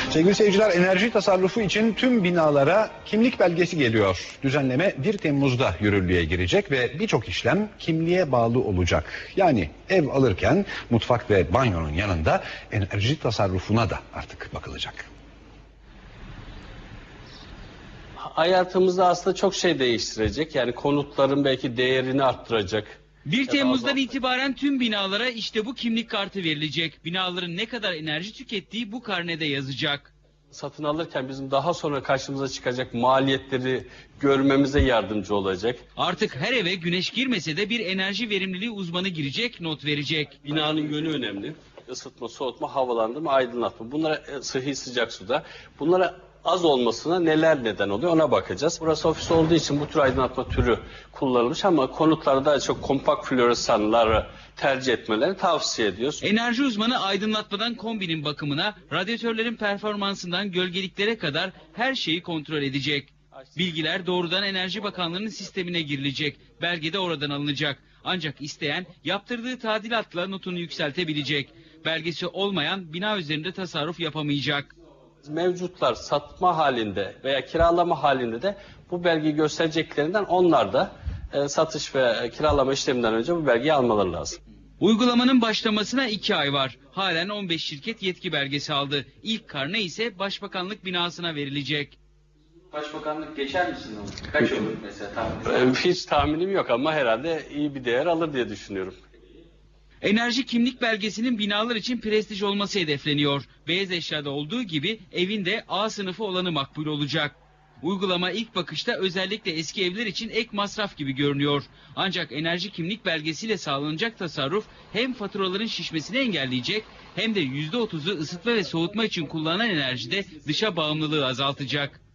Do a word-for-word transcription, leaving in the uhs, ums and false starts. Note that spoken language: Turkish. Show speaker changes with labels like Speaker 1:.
Speaker 1: Sevgili seyirciler, enerji tasarrufu için tüm binalara kimlik belgesi geliyor. Düzenleme bir Temmuz'da yürürlüğe girecek ve birçok işlem kimliğe bağlı olacak. Yani ev alırken mutfak ve banyonun yanında enerji tasarrufuna da artık bakılacak.
Speaker 2: Hayatımızda aslında çok şey değiştirecek. Yani konutların belki değerini arttıracak.
Speaker 3: bir Temmuz'dan itibaren tüm binalara işte bu kimlik kartı verilecek. Binaların ne kadar enerji tükettiği bu karnede yazacak.
Speaker 2: Satın alırken bizim daha sonra karşımıza çıkacak maliyetleri görmemize yardımcı olacak.
Speaker 3: Artık her eve güneş girmese de bir enerji verimliliği uzmanı girecek, not verecek.
Speaker 2: Binanın yönü önemli. Isıtma, soğutma, havalandırma, aydınlatma. Bunlara sıhhi sıcak suda. Bunlara az olmasına neler neden oluyor ona bakacağız. Burası ofis olduğu için bu tür aydınlatma türü kullanılmış ama konutlarda daha çok kompakt floresanları tercih etmelerini tavsiye ediyoruz.
Speaker 3: Enerji uzmanı aydınlatmadan kombinin bakımına, radyatörlerin performansından gölgeliklere kadar her şeyi kontrol edecek. Bilgiler doğrudan Enerji Bakanlığı'nın sistemine girilecek. Belge de oradan alınacak. Ancak isteyen yaptırdığı tadilatla notunu yükseltebilecek. Belgesi olmayan bina üzerinde tasarruf yapamayacak.
Speaker 2: Mevcutlar satma halinde veya kiralama halinde de bu belgeyi göstereceklerinden onlar da e, satış ve kiralama işleminden önce bu belgeyi almaları lazım.
Speaker 3: Uygulamanın başlamasına iki ay var. Halen on beş şirket yetki belgesi aldı. İlk karne ise Başbakanlık binasına verilecek.
Speaker 4: Başbakanlık geçer misin onu? Kaç olur mesela tahmin?
Speaker 2: Hiç tahminim yok ama herhalde iyi bir değer alır diye düşünüyorum.
Speaker 3: Enerji kimlik belgesinin binalar için prestij olması hedefleniyor. Beyaz eşyada olduğu gibi evin de A sınıfı olanı makbul olacak. Uygulama ilk bakışta özellikle eski evler için ek masraf gibi görünüyor. Ancak enerji kimlik belgesiyle sağlanacak tasarruf hem faturaların şişmesini engelleyecek hem de yüzde otuzu ısıtma ve soğutma için kullanılan enerjide dışa bağımlılığı azaltacak.